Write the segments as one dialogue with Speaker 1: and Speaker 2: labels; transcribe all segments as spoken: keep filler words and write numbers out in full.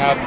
Speaker 1: ครับ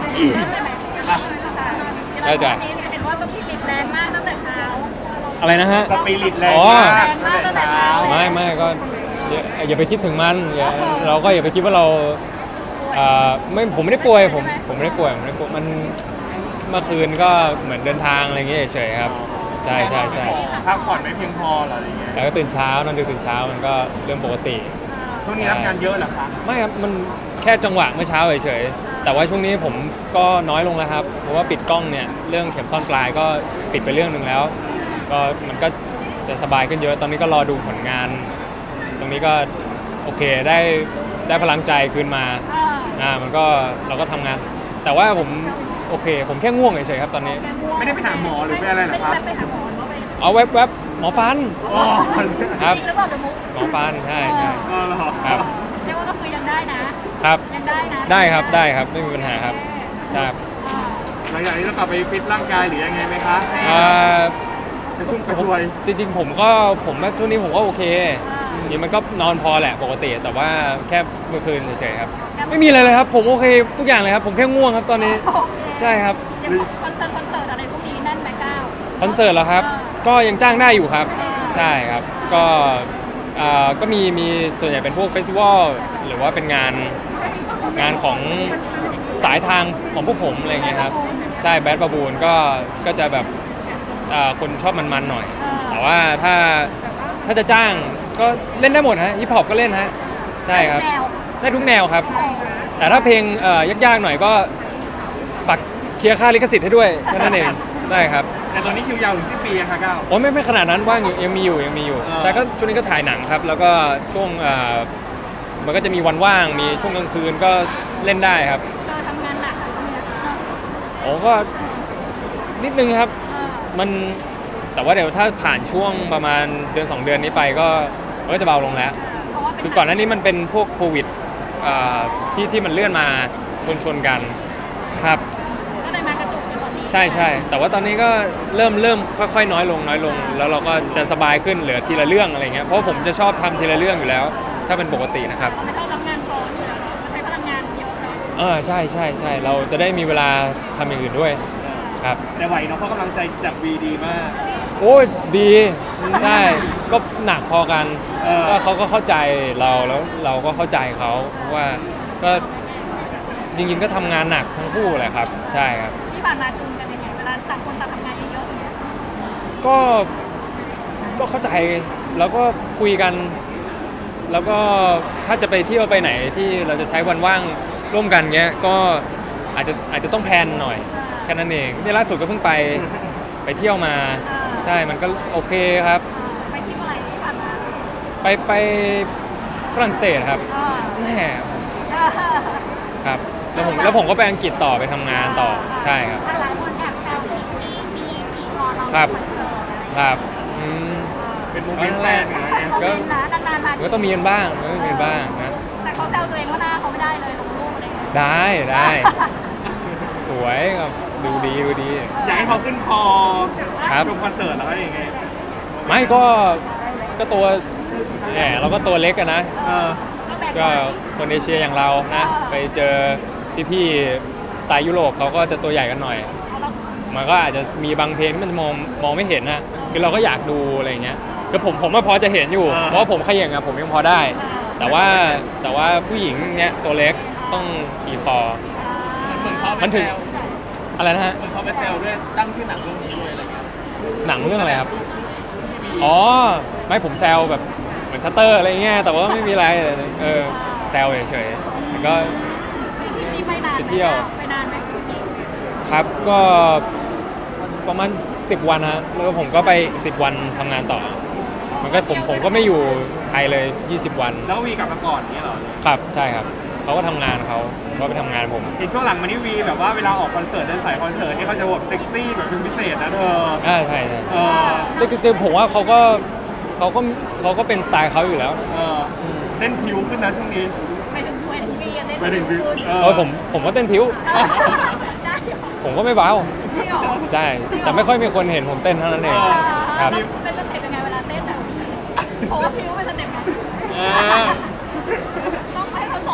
Speaker 1: ได้จ้ะ
Speaker 2: เห็นว่าสปิริตแรงมากตั้งแต่เช้า
Speaker 1: อะไรนะฮะ
Speaker 3: สปิริตแรงมากตั้งแต่เช้า
Speaker 1: ไม่ไม่ก็อย่าอย่าไปคิดถึงมันอย่าเราก็อย่าไปคิดว่าเราอ่าไม่ผมไม่ได้ป่วยผมผมไม่ได้ป่วยผมไม่ได้ป่วยมันเมื่อคืนก็เหมือนเดินทางอะไรอย่างเงี้ยเฉยๆครับใช่ใช่ใช่
Speaker 3: พักผ่อนไม่เพียงพอหรออะไรเงี้ย
Speaker 1: แล้วก็ตื่นเช้านอนดึกตื่นเช้ามันก็เรื่องปกติ
Speaker 3: ช่วงนี้รับงานเยอะเหรอคะ
Speaker 1: ไม่ครับมันแค่จังหวะเมื่อเช้าเฉยๆแต่ว่าช่วงนี้ผมก็น้อยลงแล้วครับเพราะว่าปิดกล้องเนี่ยเรื่องเข็มซ่อนปลายก็ปิดไปเรื่องหนึ่งแล้วก็มันก็จะสบายขึ้นเยอะตอนนี้ก็รอดูผลงานตรงนี้ก็โอเคได้ได้พลังใจคืนมาอ่ามันก็เราก็ทำงานแต่ว่าผมโอเคผมแค่ง่วงเฉยๆครับตอนนี้
Speaker 3: ไม่ได้ไปหาหมอหรือไปอะไรหรอครับ
Speaker 1: เอาแวบๆบหมอฟันครับหมอฟันใช่ใช่ครับ
Speaker 2: เรียกว่าก็คือยังได้นะครับยังได้นะ
Speaker 1: ได้ครับได้ครับไม่มีปัญหาครับครับ
Speaker 3: หลังจากนี้ต้องกลับไปฟิตร่างกายหรือยังไงไหมคะกระชุ่มกระชวย
Speaker 1: จริงๆผมก็ผมช่วงนี้ผมก็โอเคนี่มันก็นอนพอแหละปกติแต่ว่าแค่เมื่อคืนเฉยๆครับไม่มีอะไรเลยครับผมโอเคทุกอย่างเลยครับผมแค่ง่วงครับตอนนี้ใช่ครับ
Speaker 2: คอนเสิร์ตคอนเสิร์ตอะไรพวกนี้นั่นไหมก้าว
Speaker 1: คอนเสิร์ตเหรอครับก็ยังจ้างได้อยู่ครับใช่ครับก็ก็มีมีส่วนใหญ่เป็นพวกเฟสติวัลหรือว่าเป็นงานงานของสายทางของพวกผมอะไรเงี้ยครับใช่แบดบาบูนก็ก็จะแบบคนชอบมันๆหน่อยแต่ว่าถ้าถ้าจะจ้างก็เล่นได้หมดฮะฮิปฮอปก็เล่นฮะใช่ครับได้ทุกแนวครับแต่ถ้าเพลงยากๆหน่อยก็ฝากเคลียร์ค่าลิขสิทธิ์ให้ด้วยแค่นั้นเองได้ครับ
Speaker 3: แต่ตอนนี้คิวยาวถึงสิ้นปีค่ะก้าว
Speaker 1: โอ้ไม่ไม่ขนาดนั้นว่างอยู่ยังมีอยู่ยังมีอยู่ใช่ก็ช่วงนี้ก็ถ่ายหนังครับแล้วก็ช่วงมันก็จะมีวันว่างมีช่วงกลางคืนก็เล่นได้ครับ
Speaker 2: ทำงานหนัก
Speaker 1: โอ้ก็นิดนึงครับมันแต่ว่าเดี๋ยวถ้าผ่านช่วงประมาณเดือนสองเดือนนี้ไปก็ก็จะเบาลงแล้วคือก่อนหน้านี้มันเป็นพวกโควิดที่ที่มันเลื่อนมาชนชนกันครับ
Speaker 2: ก็เลยมากระจุกตอนนี้
Speaker 1: ใช่ใช่แต่ว่าตอนนี้ก็เริ่มเริ่มค่อยๆน้อยลงน้อยลงแล้วเราก็จะสบายขึ้นเหลือทีละเรื่องอะไรเงี้ยเพราะผมจะชอบทำทีละเรื่องอยู่แล้วถ้าเป็นปกตินะครับ
Speaker 2: ไม่ชอบรับงานซ้อนอยู่แล้วใช้พลังงานเยอะเลย
Speaker 1: เออใช่ใช่ใช่เราจะได้มีเวลาทำอย่างอื่นด้วยครับ
Speaker 3: แต่ไหวเนาะเพราะกำลังใจจากวีดีมาก
Speaker 1: โอ้ยดีใช่ก็หนักพอกันก็เขาก็เข้าใจเราแล้วเราก็เข้าใจเขาเพราะว่าก็จริงๆก็ทำงานหนักทั้งคู่แหละครับใช่ครับ
Speaker 2: ที่ผ่านมาจูนกันยังไงเวลาต่างคนต่างทำงานเยอะๆอย่างเงี้ย
Speaker 1: ก็ก็เข้าใจแล้วก็คุยกันแล้วก็ถ้าจะไปเที่ยวไปไหนที่เราจะใช้วันว่างร่วมกันเงี้ยก็อาจจะอาจจะต้องแพลนหน่อยแค่นั้นเองที่ล่าสุดก็เพิ่งไปไปเที่ยวมาใช่มันก็โอเคครับ
Speaker 2: ไปที่เมื่อไหร่ที่ผ่านมา
Speaker 1: ไปไปฝรั่งเศสครับแน่ครับแล้วผมแล้วผมก็ไปอังกฤษต่อไปทำงานต่อใช่ครับ
Speaker 2: หลายคนแอบแซวที่มีมีพอเรา
Speaker 1: ครับครับอืม
Speaker 3: เป็นโมเมนต์แรก
Speaker 1: ก็ก็ต้องมีกันบ้างก็ต้องมีกันบ้างนะ
Speaker 2: แต่เขาแซวตัวเองว่าหน้าเขาไม่ได้เลยลงรูปอะไร
Speaker 1: ได้ได้สวยครับดูดีดูดี
Speaker 3: อยากให้เขาขึ้นคอ
Speaker 1: ครับ
Speaker 3: ชมคอนเสิร์ตแล้วยังไง
Speaker 1: ไม่ก็ก็ตัวแหมเราก็ตัวเล็กกันนะก็คนเอเชียอย่างเรานะไปเจอพี่ๆสไตล์ยุโรปเขาก็จะตัวใหญ่กันหน่อยมันก็อาจจะมีบางเพลงที่มันมองมองไม่เห็นนะคือเราก็อยากดูอะไรเงี้ยคือผมผมก็พอจะเห็นอยู่เพราะผมขย่งอะผมยังพอได้แต่ว่าแต่ว่าผู้หญิงเนี้ยตัวเล็กต้องขี่คอมันถึงอะไรนะฮะ
Speaker 3: เหมือนเขาไปแซวด้วยตั้งชื่อหนังเรื่องนี้ด้วยอะไรเงี้ย
Speaker 1: หนังเรื่องอะไรครับอ๋อไม่ผมแซวแบบเหมือนชัตเตอร์อะไรเงี้ยแต่ว่าไม่มีอะไรเออแซวเฉยๆก็
Speaker 2: ไปเที่ยวไปนานไหม
Speaker 1: ครับก็ประมาณสิบวันฮะแล้วผมก็ไปสิบวันทำงานต่อมันก็ผมผมก็ไม่อยู่ไทยเลยยี่สิบวัน
Speaker 3: แล้ววีกลับมาก่อนนี้เหรอ
Speaker 1: ครับใช่ครับเขาก็ทำงานเขาก็ไปทำงานผม
Speaker 3: เห็นช่วงหลังมานี่วีแบบว่าเวลาออกคอนเสิร์ตเดินสายคอนเสิร์ตนี่เขาจะแบบเซ็กซี่แบบเป็นพิเศษนะเธอ
Speaker 1: อ่าใช่ใช่เออแต่ผมว่าเขาก็เขาก็เขาก็เป็นสไตล์เขาอยู่แล้ว
Speaker 3: เออเต้นผิวขึ้นนะช่วงนี้
Speaker 2: ไม่ถึงด้วยวีเต้น
Speaker 3: ไม่ถึง
Speaker 2: ผิว
Speaker 1: เออผมผมก็เต้นผิวผมก็ไม่เบาใช่แต่ไม่ค่อยมีคนเห็นผมเต้นเท่านั้นเองครับ
Speaker 2: เป็นสเต็ปยังไงเวลาเต้นอ่ะเพราะว่าผิวเป็นสเต็ปไงต้องให้เขาสอนนะ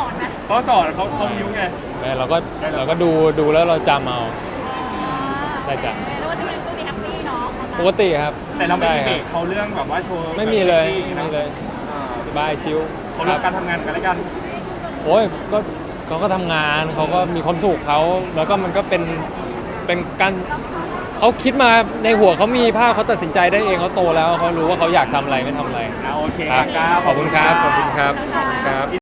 Speaker 3: เขาสอนเขาเขามิ้วไง
Speaker 1: ไม่เราก็เราก็ดูดูแล้วเราจำเอาได้จ้ะ
Speaker 2: แล้วว่าช่วงนี้ช่วงนี้แฮปปี้เนาะ
Speaker 1: ปกติครับ
Speaker 3: แต่เราไม่
Speaker 1: ใช่
Speaker 3: มี
Speaker 1: ค
Speaker 3: เบร
Speaker 1: รับ
Speaker 3: กเขาเรื่องแบบว่าโชว์
Speaker 1: ไม่มีเลย
Speaker 3: แบบ
Speaker 1: ไม่มีเลย
Speaker 3: อ่า
Speaker 1: สบายชิล
Speaker 3: เขาเรื่องการทำงานกันแล้วกัน
Speaker 1: โอ้ยก็เขาก็ทำงานเขาก็มีความสุขเขาแล้วก็มันก็เป็นเป็นการเขาคิดมาในหัวเขามีภาพเขาตัดสินใจได้เองเขาโตแล้วเขารู้ว่าเขาอยากทำอะไรไม่ทำอะไร
Speaker 3: อ่าโอเค
Speaker 1: ครับ
Speaker 3: ครับ
Speaker 1: ขอบคุณครับขอบคุณครับครับ